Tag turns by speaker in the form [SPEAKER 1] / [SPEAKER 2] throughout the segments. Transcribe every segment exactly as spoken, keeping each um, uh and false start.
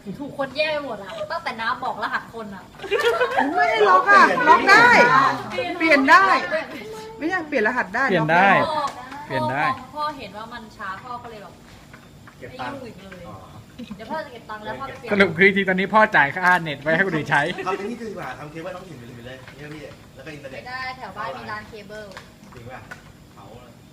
[SPEAKER 1] ถูกคนแย่ไปหมดอะตั้งแต่น้ำบอกรหัสคนอะ
[SPEAKER 2] ไม่ให้ล็อกอ่ะล็อกได้ เปลี่ยนได้ ไม่ใช่เปลี่ยนรหัสได้
[SPEAKER 3] เปลี่ยนได้ เปลี่ยนได้
[SPEAKER 1] พ่อพ่อเห็นว่ามันช้าพ่อก็เลยแบบ
[SPEAKER 4] เก็บ
[SPEAKER 1] ไม่
[SPEAKER 4] ตังค์
[SPEAKER 1] ยุ่งอีกเลย เดี๋ยวพ่อจะเก็บตังค์แล้วพ่อไปเปลี่ย
[SPEAKER 3] ส
[SPEAKER 1] น
[SPEAKER 3] รุปคือจริงๆตอนนี้พ่อจ่ายค่าเน็ตไว้ให้คนอื่นใช้
[SPEAKER 4] ทำเป็นที่ดีกว่าทำเคเบิลต้องถิ่นไปเลยเนี่ยพี่แล้วก็อินเทอร์เน็
[SPEAKER 1] ไม่
[SPEAKER 4] ต
[SPEAKER 1] ได้แถวบ้านมีร้านเคเบิล
[SPEAKER 4] จริงป่ะเขา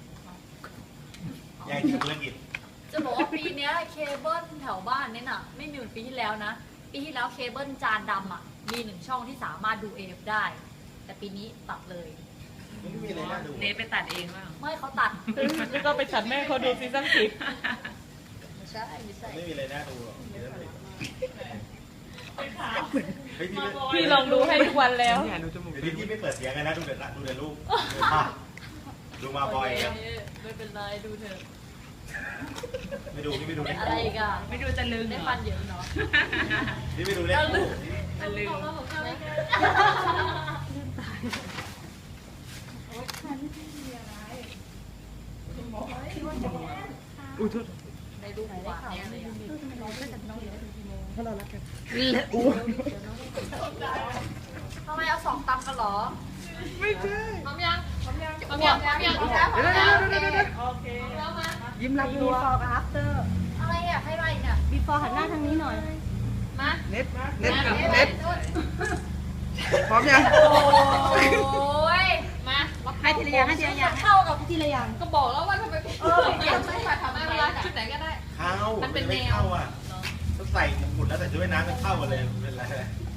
[SPEAKER 4] แย่งธุรกิจ
[SPEAKER 1] จะบอกว่าปีเนี้ยเคเบิลแถวบ้านเนี่ยน่ะไม่มีเหมือนปีที่แล้วนะ ปีที่แล้วเคเบิลจานดำอ่ะมีหนึ่งช่องที่สามารถดูเอฟได้ แต่ปีนี้ตัดเลย
[SPEAKER 4] ไม่มีอะไรน่าดู
[SPEAKER 5] เนทไปตัดเองว่า
[SPEAKER 1] ไม่เขาตัด
[SPEAKER 5] แล้วก็ไปตัดแม่เขาดูซีซั่นสิบ
[SPEAKER 1] ไม่ใช่ไม่ใช่
[SPEAKER 4] ไม่มีอะไรน่าดูหรอกเฮ้ยพี่
[SPEAKER 5] พี่ลองดูให้ทุกวันแล้ว
[SPEAKER 4] พี่พี่ไม่เปิดเสียงกันนะดูเด็ดละดูเด็ดลูกดูมาบอย
[SPEAKER 1] โเคไม่เป็นไรดูเถอะ
[SPEAKER 4] ไม่ดูพี่ไม่ดูเล็ก
[SPEAKER 1] อะไรอีกอ่ะ
[SPEAKER 5] ไม่ดูจะลึง
[SPEAKER 1] ได้
[SPEAKER 5] เหร
[SPEAKER 1] ฟั
[SPEAKER 5] อน
[SPEAKER 1] เยอะเนาะ
[SPEAKER 4] พี่ไม่ดูเล็ก
[SPEAKER 5] จะลึง
[SPEAKER 2] อุ้ยโทษ
[SPEAKER 1] ในรูปหวานแน่เลยอ่ะ
[SPEAKER 2] เพราะเรารักกัน
[SPEAKER 1] ทำไมเอาสองตำกันเหรอ
[SPEAKER 2] ไม่ใช่
[SPEAKER 1] พร้อมยังพร้อมยังพร้อมยังพร้อมยังพร้อมยังพร้อมยัง
[SPEAKER 2] เดี๋ยวเดี๋ยวเดี๋ยวเดี๋ยว
[SPEAKER 5] โอเค
[SPEAKER 1] แล้วมา
[SPEAKER 2] ยิ้มรับ
[SPEAKER 6] บี
[SPEAKER 2] รัว
[SPEAKER 6] ฟอร์กับอัฟเตอร์
[SPEAKER 1] อะไรอ่ะให้ไรเนี่ย
[SPEAKER 6] บีฟอร์หันหน้าทางนี้หน่อย
[SPEAKER 1] มา
[SPEAKER 2] เน็ตเน็ตเน็ตพร้อมยัง
[SPEAKER 1] โอ้ยมา
[SPEAKER 6] ให้ทีละอย่างให้ทีละอย่าง
[SPEAKER 1] เข้ากับ
[SPEAKER 6] ทีละอย่าง
[SPEAKER 1] ก็บอกแล้วว่าทำไมเออเปลี่ยนไม่มาทำไม่เวลาชุดไหนก็ได้
[SPEAKER 4] เข้ามันเป็นไม่เข้าอ่ะต้องใส่หมุดแล้วแต่ช่วยน้ำจะเข้ากันเลยเป็นไร